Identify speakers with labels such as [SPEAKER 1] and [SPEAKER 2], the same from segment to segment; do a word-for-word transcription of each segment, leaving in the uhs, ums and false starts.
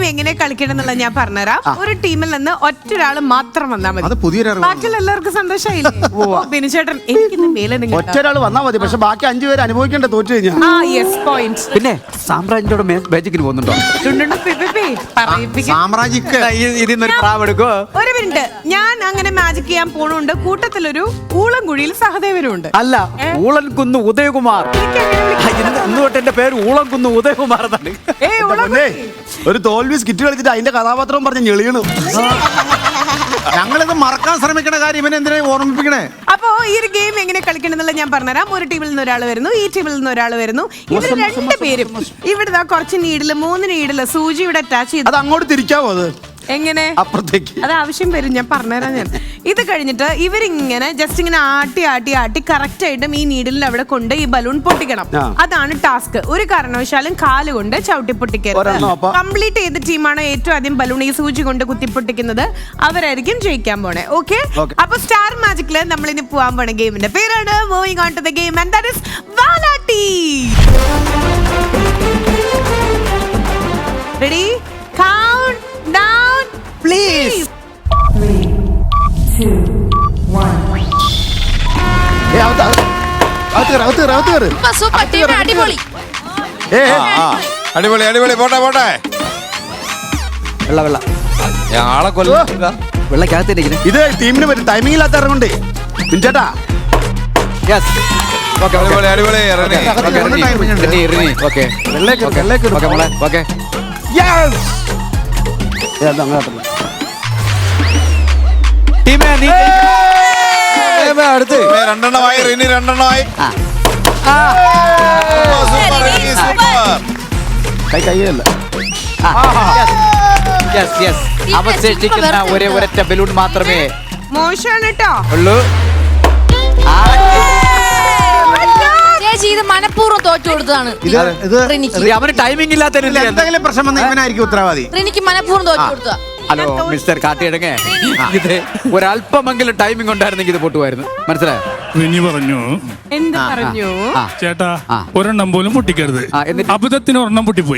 [SPEAKER 1] എങ്ങനെ കളിക്കണം എന്നുള്ളത് ഞാൻ പറഞ്ഞുതരാം. ഒരു ടീമിൽ നിന്ന് ഒറ്റൊരാൾ മാത്രം വന്നാൽ മതി.
[SPEAKER 2] അത് പുതിയൊരു
[SPEAKER 1] ബാക്കിയുള്ള എല്ലാവർക്കും സന്തോഷമായില്ലേ? ബിനുചേട്ടൻ എനിക്ക് മേലെ
[SPEAKER 2] ഒറ്റൊരാൾ വന്നാൽ മതി, പക്ഷെ ബാക്കി അഞ്ചു പേര് അനുഭവിക്കേണ്ട തോറ്റു കഴിഞ്ഞാൽ.
[SPEAKER 1] ആ യെസ് പോയിന്റ്.
[SPEAKER 3] പിന്നെ സാമ്രാജ്യത്തോടെ മാജിക്കിന് പോകുന്നുണ്ടോ?
[SPEAKER 2] സാമ്രാജ്യക്ക്
[SPEAKER 3] ഇതിന്നൊരു പ്രാവ് എടുക്കോ?
[SPEAKER 1] ഒരു മിനിറ്റ്, ഞാൻ അങ്ങനെ മാജിക് ചെയ്യാൻ പോണുണ്ട്. കൂട്ടത്തിലൊരു ഊളംകുഴിയിൽ സഹദേവനും ഉണ്ട്.
[SPEAKER 3] അല്ല, ഊളൻകുന്ന് ഉദയകുമാർ. ഇന്ന് തൊട്ട് എന്റെ പേര് ഊളൻകുന്ന് ഉദയകുമാർ എന്നാണ്.
[SPEAKER 2] ഒരു തോൽവി സ്കിറ്റ് കളിച്ചിട്ട് അതിന്റെ കഥാപാത്രവും പറഞ്ഞ് ഞെളിയണു. ഞങ്ങളിത് മറക്കാൻ ശ്രമിക്കണ കാര്യം ഇവനെ എന്തിനാ ഓർമ്മിപ്പിക്കണേ?
[SPEAKER 1] അപ്പോ ഈ ഒരു ഗെയിം എങ്ങനെ കളിക്കണം എന്നുള്ള ഞാൻ പറഞ്ഞുതരാം. ഒരു ടീമിൽ നിന്ന് ഒരാൾ വരുന്നു, ഈ ടീമിൽ നിന്ന് ഒരാൾ വരുന്നു. ഇവർ രണ്ടുപേരും ഇവിടെ കുറച്ച് നീഡില് മൂന്ന് നീഡില് സൂചി ഇവിടെ അറ്റാച്ച് ചെയ്ത്
[SPEAKER 2] അത് അങ്ങോട്ട് തിരിക്കാവോ? അത്
[SPEAKER 1] എങ്ങനെ
[SPEAKER 2] അപ്പുറത്തേക്ക്
[SPEAKER 1] അത് ആവശ്യം വരും, ഞാൻ പറഞ്ഞുതരാം. ഞാൻ ഇത് കഴിഞ്ഞിട്ട് ഇവരിങ്ങനെ ജസ്റ്റ് ഇങ്ങനെ ആട്ടി ആട്ടി ആട്ടി കറക്റ്റ് ആയിട്ടും ഈ നീഡിലിൽ അവിടെ കൊണ്ട് ഈ ബലൂൺ പൊട്ടിക്കണം. അതാണ് ടാസ്ക്. ഒരു കാരണവശാലും കാല് കൊണ്ട് ചവിട്ടി പൊട്ടിക്കരുത്. കംപ്ലീറ്റ് ചെയ്ത ടീമാണ് ഏറ്റവും ആദ്യം ബലൂൺ ഈ സൂചി കൊണ്ട് കുത്തി പൊട്ടിക്കുന്നത്, അവരായിരിക്കും ജയിക്കാൻ പോണേ. ഓക്കെ, അപ്പൊ സ്റ്റാർ മാജിക്കില് നമ്മൾ ഇനി പോവാൻ പോണ ഗെയിമിന്റെ പേരാണ് moving on to the game and that is Valatti. Ready? Count down please.
[SPEAKER 4] അടിപൊളി അടിപൊളി. പോട്ടെ പോട്ടെ.
[SPEAKER 3] വെള്ള വെള്ള
[SPEAKER 4] ആളെ കൊല്ല
[SPEAKER 3] വെള്ളക്കകത്തിരിക്കുന്നു.
[SPEAKER 2] ഇത് ടീമിന് പറ്റും, ടൈമിംഗ് ഇല്ലാത്ത ഇറങ്ങുണ്ട് ചേട്ടാ.
[SPEAKER 4] അടിപൊളി അടിപൊളി.
[SPEAKER 3] അടുത്ത്
[SPEAKER 4] രണ്ടെണ്ണമായി റിനി, രണ്ടെണ്ണമായി.
[SPEAKER 2] കൈ കൈയല്ല.
[SPEAKER 3] അവശേഷിക്കുന്ന ഒരേ ഒരൊറ്റ ബലൂൺ മാത്രമേ
[SPEAKER 1] മോശമാണ് കേട്ടോ
[SPEAKER 3] ഉള്ളൂ.
[SPEAKER 5] ഇത് മനഃപൂർവ്വം തോറ്റു കൊടുത്തതാണ്.
[SPEAKER 3] അവന് ടൈമിംഗ് ഇല്ലാത്ത
[SPEAKER 2] എന്തെങ്കിലും പ്രശ്നം വന്ന ഇവനായിരിക്കും ഉത്തരവാദി.
[SPEAKER 5] എനിക്ക് മനഃപൂർവ്വം തോറ്റു കൊടുത്തതാ.
[SPEAKER 3] ഹലോ മിസ്റ്റർ കാട്ടിയിടങ്ങേ, ഇത് ഒരല്പമെങ്കിലും ടൈമിംഗ് ഉണ്ടായിരുന്നെങ്കിൽ ഇത് പൊട്ടുമായിരുന്നു. മനസ്സിലായോ?
[SPEAKER 6] റിനി പറഞ്ഞു,
[SPEAKER 1] എന്ത് പറഞ്ഞു
[SPEAKER 6] ചേട്ടാ ഒരെണ്ണം പോലും പൊട്ടിക്കരുത്. അബദ്ധത്തിന് ഒരെണ്ണം പൊട്ടിപ്പോയി.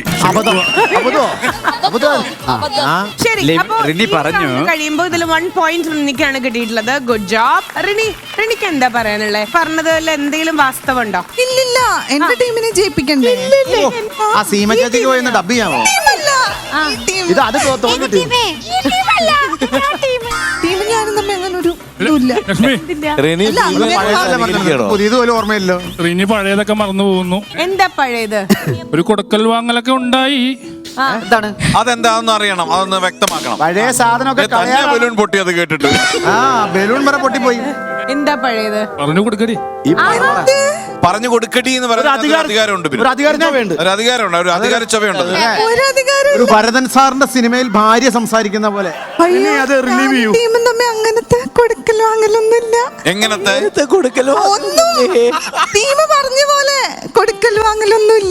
[SPEAKER 1] ശരി, അപ്പൊ
[SPEAKER 3] റിനി പറഞ്ഞു
[SPEAKER 1] കഴിയുമ്പോ ഇതിൽ വൺ പോയിന്റ് റിനിക്കാണ് കിട്ടിയിട്ടുള്ളത്. Good job Rini. റിനിക്ക് എന്താ പറയാനുള്ളത്? പറഞ്ഞതിൽ എന്തെങ്കിലും വാസ്തവം ഉണ്ടോ?
[SPEAKER 7] ഇല്ലില്ല, എന്റെ ടീമിനെ ജയിപ്പിക്കണ്ടേ?
[SPEAKER 2] ആ സീമ ചേച്ചിക്ക് പോയി ഡബ് ചെയ്യാമോ? ഇത് അത് തോന്നി
[SPEAKER 7] ടീം ഞാനും തമ്മിൽ അങ്ങനെ ഒരു
[SPEAKER 2] പുതിയതുപോലെ ഓർമ്മയില്ലോ.
[SPEAKER 6] റിനി പഴയതൊക്കെ മറന്നു പോകുന്നു.
[SPEAKER 1] എന്താ പഴയത്?
[SPEAKER 6] ഒരു കൊടുക്കൽ വാങ്ങലൊക്കെ ഉണ്ടായി.
[SPEAKER 3] എന്താണ്
[SPEAKER 4] അതെന്താണെന്ന് അറിയണം, അതൊന്ന് വ്യക്തമാക്കണം.
[SPEAKER 2] പഴയ സാധനമൊക്കെ
[SPEAKER 4] ബലൂൺ പൊട്ടിയത് കേട്ടിട്ട്
[SPEAKER 2] ആ ബലൂൺ വരെ പൊട്ടിപ്പോയി.
[SPEAKER 1] എന്താ പഴയത്?
[SPEAKER 6] പറഞ്ഞു കൊടുക്കടി.
[SPEAKER 4] പറഞ്ഞു കൊടുക്കടി എന്ന് പറയുന്ന അധികാരമുണ്ട്.
[SPEAKER 2] ഒരു അധികാരം വേണ്ട,
[SPEAKER 4] ഒരു അധികാരമുണ്ട്, ഒരു അധികാര ചുവയുണ്ട്.
[SPEAKER 2] ഒരു ഭരതൻ സാറിന്റെ സിനിമയിൽ ഭാര്യ സംസാരിക്കുന്ന പോലെ. അത് റിലീവ് ചെയ്യൂ.
[SPEAKER 7] ടീമും തമ്മിൽ അങ്ങനത്തെ കൊടുക്കൽ വാങ്ങലൊന്നുമില്ല.
[SPEAKER 4] എങ്ങനത്തെ
[SPEAKER 3] കൊടുക്കലോ?
[SPEAKER 7] ടീം പറഞ്ഞ പോലെ കൊടുക്കൽ വാങ്ങലൊന്നുമില്ല.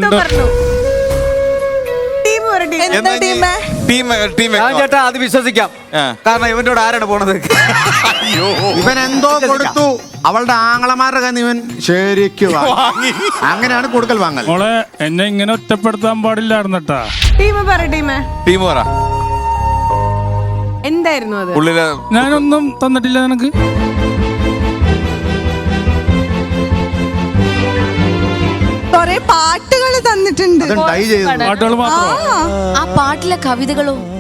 [SPEAKER 3] ചേട്ടാ അത് വിശ്വസിക്കാം, കാരണം ഇവന്റെ ആരാണ് പോണത്?
[SPEAKER 2] ഇവൻ എന്തോ കൊടുത്തു, അവളുടെ ആങ്ങളമാരുടെ കയ്യിൽ ഇവൻ ശരിക്കും അങ്ങനെയാണ് കൊടുക്കൽ വാങ്ങൽ.
[SPEAKER 6] മോളെ എന്നെ ഇങ്ങനെ ഒറ്റപ്പെടുത്താൻ പാടില്ലായിരുന്നട്ടാ.
[SPEAKER 1] ടീം പറ, ടീം
[SPEAKER 4] ടീം പറ
[SPEAKER 1] എന്തായിരുന്നു അത്?
[SPEAKER 4] ഉള്ളില്
[SPEAKER 6] ഞാനൊന്നും തന്നിട്ടില്ല നിനക്ക്.
[SPEAKER 7] കൊറേ പാട്ടുകൾ തന്നിട്ടുണ്ട്.
[SPEAKER 6] പാട്ടുകൾ മാത്രമോ?
[SPEAKER 5] ആ പാട്ടിലെ കവിതകളോ?